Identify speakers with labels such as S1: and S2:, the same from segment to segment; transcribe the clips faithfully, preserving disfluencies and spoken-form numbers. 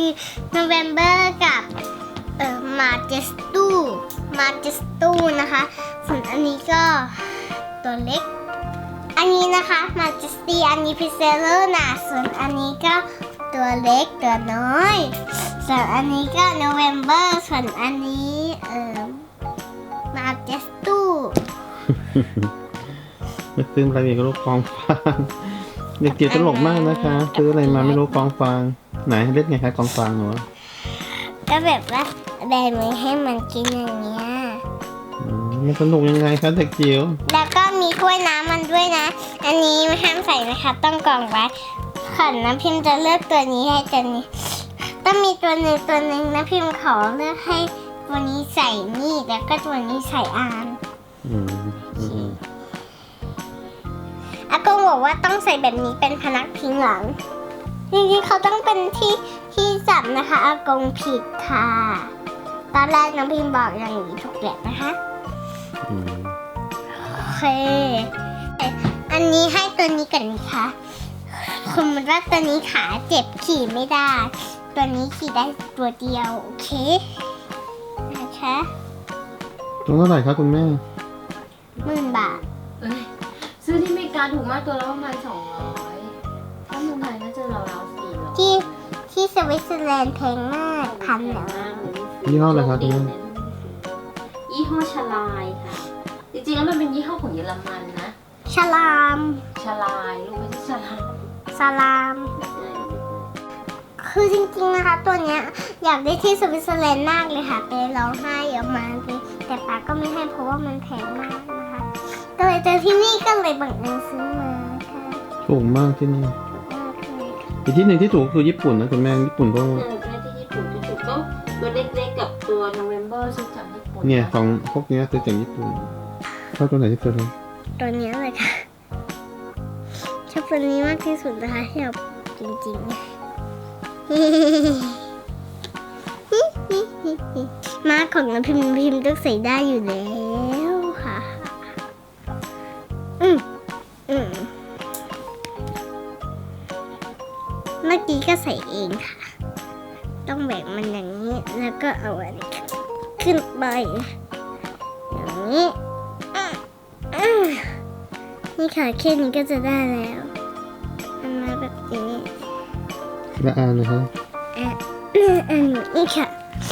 S1: โนเวมเบอร์กับเอ่อมาเจสตูมาเจสตูนะคะส่วนอันนี้ก็ตัวเล็กอันนี้นะคะมาเจสตีอันนี้พิเซเลอร์นะส่วนอันนี้ก็ตัวเล็กตัวน้อยส่วนอันนี้ก็โนเวมเบอร์ส่วนอันนี้เอ่อมาเจสตู
S2: ไม่ซื้ออะไรอีกก็รู้กองฟางเด็กเกียวตลกมากนะคะซื้ออะไรมาไม่รู้กองฟางไหนเล่นไงคะกองฟางหนู
S1: ก็แบบว่าแบมือให้มันกินอย่างเงี้ย
S2: อืมมันสนุกยังไงคะเด็กจิ๋ว
S1: แล้วก็มีถ้วยน้ำมันด้วยนะอันนี้ไม่ห้ามใส่นะคะต้องกรองไว้ขันน้ำพิมพ์จะเลือกตัวนี้ให้ตัวนี้ต้องมีตัวหนึ่งตัวหนึ่งนะพิมพ์ขอเลือกให้ตัวนี้ใส่นี่แล้วก็ตัวนี้ใส่อาน
S2: อืมอืม
S1: อากงบอกว่าต้องใส่แบบนี้เป็นพนักพิงหลังจริงๆเขาต้องเป็นที่ที่จับนะคะอากงผิดค่ะตอนแรกน้องพิมพ์บอกอย่างนี้ถูกแล้วนะคะ
S2: อืม
S1: โอเคอันนี้ให้ตัวนี้กันนะคะสมมติว่าตัวนี้ขาเจ็บขี่ไม่ได้ ตัวนี้ขี่ได้ตัวเดียวโอเคนะคะ
S2: ตัวเท่าไหร่คะคุณแม่
S1: หมื่นบาท
S3: เอ้ยซื้อที่อเมริกาถูกมากตัวละประมาณสองร้อยถ้าเมืองไทยก็จะราวๆสี่ร้อย
S1: ที่ที่สวิตเซอร์แลนด์แพงมากพันแล้ว
S2: ยี่ห้ออะไรคะคุณแม่
S3: ยี่ห้อชลายค่ะ จริงๆแล้วมันเป็นยี่ห้อของเยอรมันนะ
S1: ฉลาม
S3: ชลายลูกไม่ใช่ชลาย
S1: สลาม คือจริงๆนะคะตัวเนี้ยอยากได้ที่สวิตเซอร์แลนด์มากเลยค่ะไปร้องไห้เยอะมากเลยแต่ป้าก็ไม่ให้เพราะว่ามันแพงมากนะคะก็เลยเจอที่นี่ก็เลยบังเอิญซื้อมาค่ะ
S2: ถูกมากที่นี่
S1: มากเลย
S2: อีกที่หนึ่งที่ถูกคือญี่ปุ่นนะคุณแม่ญี่ปุ่นก็
S3: เออใช่ที่ญี่ปุ่นที่ถูกก็ตัวเล็กๆกับตัว November ซื้อจากญี่ปุ่น
S2: เนี่ยของพวกเนี้ยซื้อจากญี่ปุ่นชอบตัวไหนที่สุดเลย
S1: ตัวเนี้ยเลยค่ะชอบตัวนี้มากที่สุดนะคะที่เราจริงๆ มาของน้ำพิมพ์พิมพ์ต้องใส่ได้อยู่แล้วค่ะอืมอืมเมื่อกี้ก็ใส่เองค่ะ ต้องแบ่งมันอย่างนี้แล้วก็เอาอันนี้ขึ้นไปอย่างนี้อ่ะอ่ะนี่ค่ะแค่นี้ก็จะได้แล้วมันมาแบบนี้
S2: ละอานนะคะ
S1: อ่ะอันนี้ค่ะ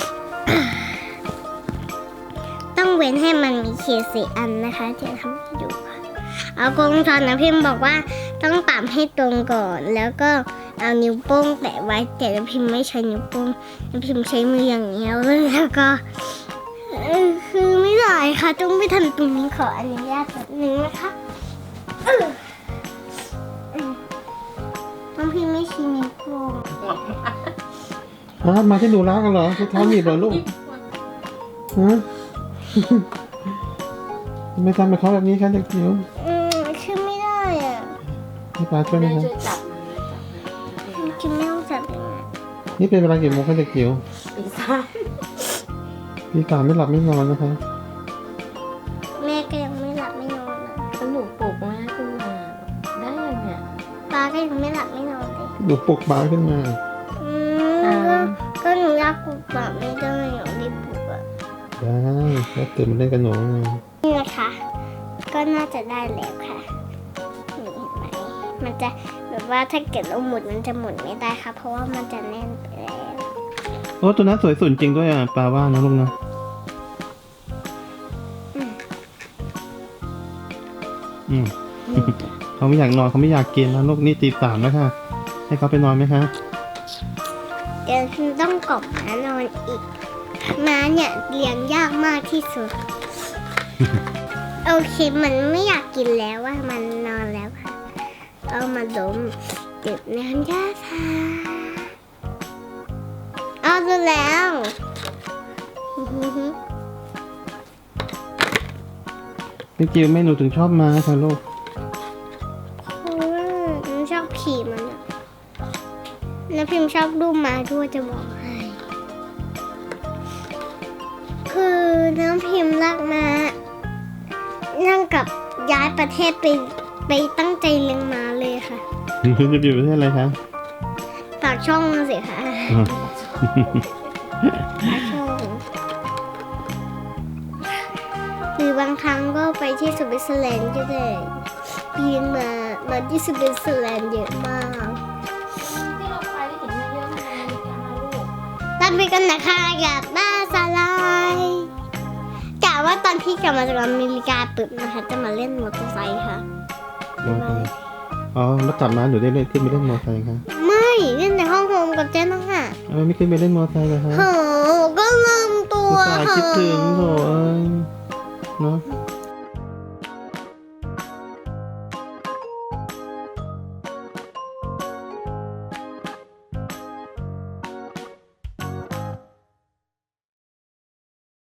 S1: ต้องเว้นให้มันมีเคสี่อันนะคะเดี๋ยวทำให้ดูค่ะเอากงทอนนะพิมพ์บอกว่าต้องปรับให้ตรงก่อน แล้วก็เอานิ้วโป้งแตะไว้แต่น้ำพิมพ์ไม่ใช้นิ้วโป้งน้ำพิมพ์ใช้มืออย่างเดียวเลยแล้วก็เอ่อคือไม่ได้ค่ะต้องไปทำตรงนี้ขออนุญาตแบบนึงนะคะเออเออน้ำพิมพ์ไม่ใช้นิ้วโป้ง
S2: มามาที่ดูรักกันเหรอทุกท้องหนีบเหรอลูกฮะ ทำไม่ทำกับเขาแบบนี้คะเด็กจิ๋ว
S1: อืมคือไม่ได้อ่ะ
S2: ให้ป้าช่วยไหม
S3: แม่
S2: คะ
S3: ช่วยจับมันนะจับมัน
S1: คือไม่ต้องจับยังไง
S2: นี่เป็นเวลากี่โมงคะเด็กจิ๋ว
S3: ปีศาจ
S2: พี่สามไม่หลับไม่นอนนะคะ
S1: แม่ก็ยังไม่หลับไม่นอนนะ
S3: สนุกปลุกแม่ขึ้นมาได้ยังเนี่ย
S1: ป้าก็ยังไม่หลับไม่นอนเลย
S2: ดูปลุกป้าขึ้นมา
S1: อืมก็ก็หนูอยากปลุกป้าไม่ได้หนูรีบปลุกอ่ะ
S2: ได้แล้วตื่นมาเล่นกับหนูไง
S1: นี่นะคะก็น่าจะได้แล้วค่ะนี่เห็นไหมมันจะแบบว่าถ้าเกิดเราหมุนมันจะหมุนไม่ได้ค่ะเพราะว่ามันจะแน่นไปแล้ว
S2: โอ้ตัวนั้นสวยสุดจริงด้วยอ่ะปลาว่านะลูกนะอืม เขาไม่อยากนอนเขาไม่อยากกินแล้วลูกนี่ตีสามแล้วค่ะ ให้เขาไปนอนไหมคะ
S1: เดี๋ยวฉันต้องกบม้านอนอีกม้าเนี่ยเลี้ยงยากมากที่สุด โอเคมันไม่อยากกินแล้วว่ามันนอนแล้วค่ะเอามาดมดื่มน้ำยาชาเอาดูแล้ว
S2: พี่จิวไม่หนูถึงชอบม้าค่ะลูก
S1: เพราะว่าหนูชอบขี่มันอะแล้วพิมพ์ชอบดูม้าด้วยจะบอกให้คือน้องพิมพ์รักม้านั่งกับย้ายประเทศไปไปตั้งใจเลี้ยงม้าเลยค่ะ
S2: จะอยู่ประเทศอะไรคะ
S1: ปากช่องสิค่ะ
S2: อ๋อ
S1: ปลาช่อนหรือบางครั้งก็ไปที่สวิตเซอร์แลนด์ก็ได้ปีนมามาที่สวิตเซอร์แลนด์เยอะมาก
S3: ที่เราไปได้เห็นเยอะๆมันอเมริกาลูก
S1: ตามไปกันนะคะกับบ้าสลายกะว่าตอนที่กลับมาจากอเมริกาปุ๊บนะคะจะมาเล่นมอเตอร์ไซค์ค่ะ
S2: มอไซค์อ๋อแล้วกลับมาหนูได้เล่นขึ้นไปเล่นมอไซค์คะ
S1: ไม่เล่นในห้องโฮมกับเจ๊น้องค่ะ
S2: ทำไมไม่ขึ้นไปเล่นมอไซค์ล่ะคะ
S1: โหก็ลืมตัว
S2: อุตส่าห์คิดถึงโถเอ้ยเนาะ
S1: โ